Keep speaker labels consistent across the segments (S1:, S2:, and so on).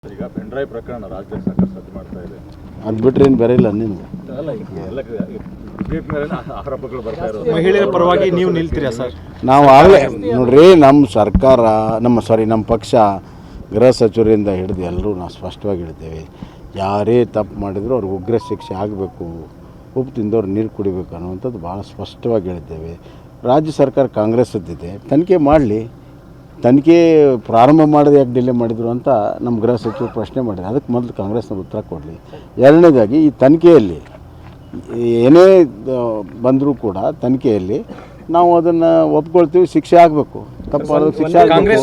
S1: ಈಗ ಪೆನ್ಡ್ರೈವ್ ಪ್ರಕರಣ ರಾಜ್ಯದಲ್ಲಿ ಸಾಕಷ್ಟು ಸದ್ದು ಮಾಡ್ತಾ ಇದೆ.
S2: ಅದು ಬಿಟ್ಟರೆ ಏನು ಬೇರೆ ಇಲ್ಲ ನಿಮ್ಗೆ.
S1: ಆರೋಪಗಳು ಬರ್ತಾ ಇರೋದು
S3: ಮಹಿಳೆಯರ ಪರವಾಗಿ ನೀವು ನಿಲ್ತೀರಾ ಸರ್?
S2: ನಾವು ಆಗಲೇ ನೋಡ್ರಿ, ನಮ್ಮ ಸರ್ಕಾರ ನಮ್ಮ ಪಕ್ಷ ಗೃಹ ಸಚಿವರಿಂದ ಹಿಡಿದು ಎಲ್ಲರೂ ನಾವು ಸ್ಪಷ್ಟವಾಗಿ ಹೇಳ್ತೇವೆ, ಯಾರೇ ತಪ್ಪು ಮಾಡಿದರೂ ಅವ್ರಿಗೆ ಉಗ್ರ ಶಿಕ್ಷೆ ಆಗಬೇಕು, ಉಪ್ಪು ತಿಂದವ್ರು ನೀರು ಕುಡಿಬೇಕು ಅನ್ನುವಂಥದ್ದು ಭಾಳ ಸ್ಪಷ್ಟವಾಗಿ ಹೇಳ್ತೇವೆ. ರಾಜ್ಯ ಸರ್ಕಾರ ಕಾಂಗ್ರೆಸ್ಸದ್ದಿದೆ, ತನಿಖೆ ಮಾಡಲಿ. ತನಿಖೆ ಪ್ರಾರಂಭ ಮಾಡೋದು ಯಾಕೆ ಡಿಲೇ ಮಾಡಿದರು ಅಂತ ನಮ್ಮ ಗೃಹ ಸಚಿವರು ಪ್ರಶ್ನೆ ಮಾಡಿದ್ದಾರೆ. ಅದಕ್ಕೆ ಮೊದಲು ಕಾಂಗ್ರೆಸ್ನವ್ರು ಉತ್ತರ ಕೊಡಲಿ. ಎರಡನೇದಾಗಿ ಈ ತನಿಖೆಯಲ್ಲಿ ಏನೇ ಬಂದರೂ ಕೂಡ ತನಿಖೆಯಲ್ಲಿ ನಾವು ಅದನ್ನು ಒಪ್ಕೊಳ್ತೀವಿ, ಶಿಕ್ಷೆ ಆಗಬೇಕು. ತಪ್ಪು ಮಾಡೋದಕ್ಕೆ ಶಿಕ್ಷೆ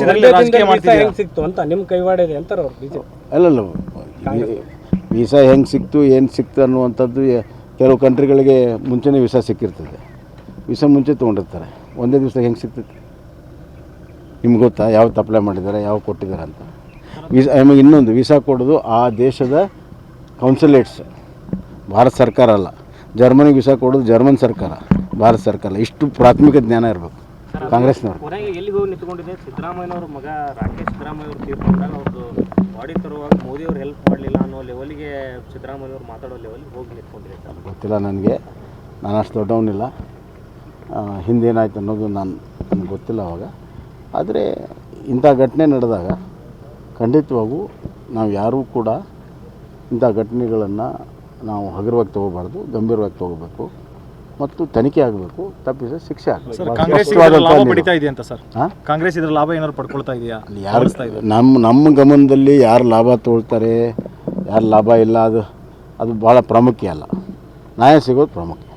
S2: ಅಲ್ಲಲ್ಲ, ವೀಸಾ ಹೆಂಗೆ ಸಿಕ್ತು, ಏನು ಸಿಕ್ತು ಅನ್ನುವಂಥದ್ದು ಕೆಲವು ಕಂಟ್ರಿಗಳಿಗೆ ಮುಂಚೆನೇ ವೀಸಾ ಸಿಕ್ಕಿರ್ತದೆ. ವೀಸಾ ಮುಂಚೆ ತೊಗೊಂಡಿರ್ತಾರೆ, ಒಂದೇ ದಿವಸ ಹೆಂಗೆ ಸಿಗ್ತೈತೆ ನಿಮ್ಗೆ ಗೊತ್ತಾ? ಯಾವ್ದು ಅಪ್ಲೈ ಮಾಡಿದ್ದಾರೆ, ಯಾವ ಕೊಟ್ಟಿದ್ದಾರೆ ಅಂತ. ಆಮೇಲೆ ಇನ್ನೊಂದು ವೀಸಾ ಕೊಡೋದು ಆ ದೇಶದ ಕೌನ್ಸುಲೇಟ್ಸ್, ಭಾರತ ಸರ್ಕಾರ ಅಲ್ಲ. ಜರ್ಮನಿಗೆ ವೀಸಾ ಕೊಡೋದು ಜರ್ಮನ್ ಸರ್ಕಾರ, ಭಾರತ ಸರ್ಕಾರ. ಇಷ್ಟು ಪ್ರಾಥಮಿಕ ಜ್ಞಾನ ಇರಬೇಕು ಕಾಂಗ್ರೆಸ್ನವರು.
S4: ಎಲ್ಲಿಗೆ ಹೋಗಿ ನಿಂತ್ಕೊಂಡಿದೆ ಸಿದ್ದರಾಮಯ್ಯನವ್ರ ಮಗ ರಾಕೇಶ್ ಸಿದ್ದರಾಮಯ್ಯ ಅವರು ತೀರ್ಕೊಂಡಾಗ ಅವ್ರದ್ದು ಬಾಡಿ ತರುವಾಗ ಮೋದಿ ಅವರು ಹೆಲ್ಪ್ ಮಾಡಲಿಲ್ಲ ಅನ್ನೋ ಲೆವೆಲ್ಗೆ ಸಿದ್ದರಾಮಯ್ಯವ್ರು ಮಾತಾಡೋ ಲೆವೆಲ್ಗೆ ಹೋಗಿ ನಿಂತ್ಕೊಂಡಿದೆ ಸರ್.
S2: ಗೊತ್ತಿಲ್ಲ ನನಗೆ, ನಾನು ಅಷ್ಟು ದೊಡ್ಡವನಿಲ್ಲ. ಹಿಂದೇನಾಯ್ತು ಅನ್ನೋದು ನನಗೆ ಗೊತ್ತಿಲ್ಲ ಅವಾಗ. ಆದರೆ ಇಂಥ ಘಟನೆ ನಡೆದಾಗ ಖಂಡಿತವಾಗೂ ನಾವು ಯಾರೂ ಕೂಡ ಇಂಥ ಘಟನೆಗಳನ್ನು ನಾವು ಹಗುರವಾಗಿ ತೊಗೋಬಾರ್ದು, ಗಂಭೀರವಾಗಿ ತೊಗೋಬೇಕು ಮತ್ತು ತನಿಖೆ ಆಗಬೇಕು. ತಪ್ಪಿಸ ಶಿಕ್ಷೆ ಆಗಬೇಕು.
S3: ಲಾಭ ಪಡಿತಾ ಇದೆಯಾ ಅಂತ ಸರ್? ಕಾಂಗ್ರೆಸ್ ಇದರ ಲಾಭ ಏನಾದ್ರು ಪಡ್ಕೊಳ್ತಾ ಇದೆಯಾ?
S2: ಯಾರು ನಮ್ಮ ಗಮನದಲ್ಲಿ ಯಾರು ಲಾಭ ತೊಗೊಳ್ತಾರೆ, ಯಾರು ಲಾಭ ಇಲ್ಲ, ಅದು ಭಾಳ ಪ್ರಾಮುಖ್ಯ ಅಲ್ಲ. ನ್ಯಾಯ ಸಿಗೋದು ಪ್ರಾಮುಖ್ಯ.